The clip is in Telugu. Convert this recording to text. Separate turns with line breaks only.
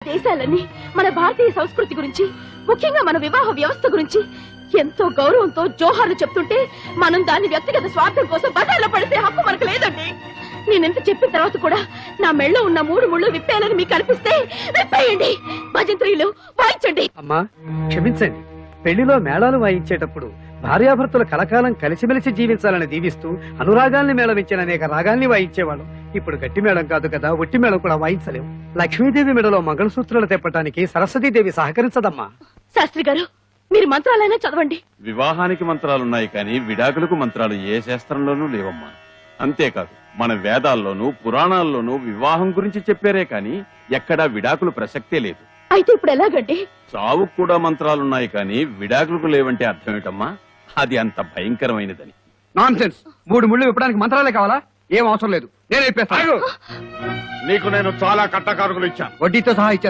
దేశాలన్నీ మన భారతీయ సంస్కృతి గురించి, ముఖ్యంగా మన వివాహ వ్యవస్థ గురించి ఎంతో గౌరవంతో జోహార్లు చెప్తుంటే మనం దాన్ని వ్యక్తిగత స్వార్థం కోసం బజార్లో పడితే హక్కు మనకు లేదండి. నేనెంత చెప్పిన తర్వాత కూడా నా మెళ్ళో ఉన్న 3 ముళ్ళు విప్పేయాలని మీకు అనిపిస్తే విప్పేయండి. భజంత్రీలు వాయించండి.
అమ్మా క్షమించండి. పెళ్లిలో మేళాలు వాయించేటప్పుడు భార్యాభర్తలు కలకాలం కలిసిమెలిసి జీవించాలని దీవిస్తూ అనురాగాల్ని మేళవించిన అనేక రాగాల్ని వాయించేవాళ్ళం. ఇప్పుడు గట్టి మేళం కాదు కదా, ఒట్టి మేళం కూడా వాయించలేం. లక్ష్మీదేవి మెడలో మంగళసూత్రాలు తెప్పటానికి సరస్వతీదేవి సహకరించదమ్మా.
శాస్త్రి గారు, మీరు మంత్రాలైనా చదవండి.
వివాహానికి మంత్రాలున్నాయి కానీ విడాకులకు మంత్రాలు ఏ శాస్త్రంలోనూ లేవమ్మా. అంతేకాదు మన వేదాల్లోనూ పురాణాల్లోనూ వివాహం గురించి చెప్పారే కానీ ఎక్కడా విడాకులు ప్రసక్తే లేదు.
అయితే ఇప్పుడు ఎలాగండి?
చావుకు కూడా మంత్రాలున్నాయి కానీ విడాకులకు లేవంటే అర్థం ఏంటమ్మా? అది అంత భయంకరమైనదని.
నాన్సెన్స్. 3 ముళ్ళు విప్పడానికి మంత్రాలే కావాలా? ఏం అవసరం లేదు, నేను చెప్పేస్తాను.
నీకు నేను చాలా కట్టకారుకులు ఇచ్చాను.
వడ్డీతో సహా ఇచ్చాను.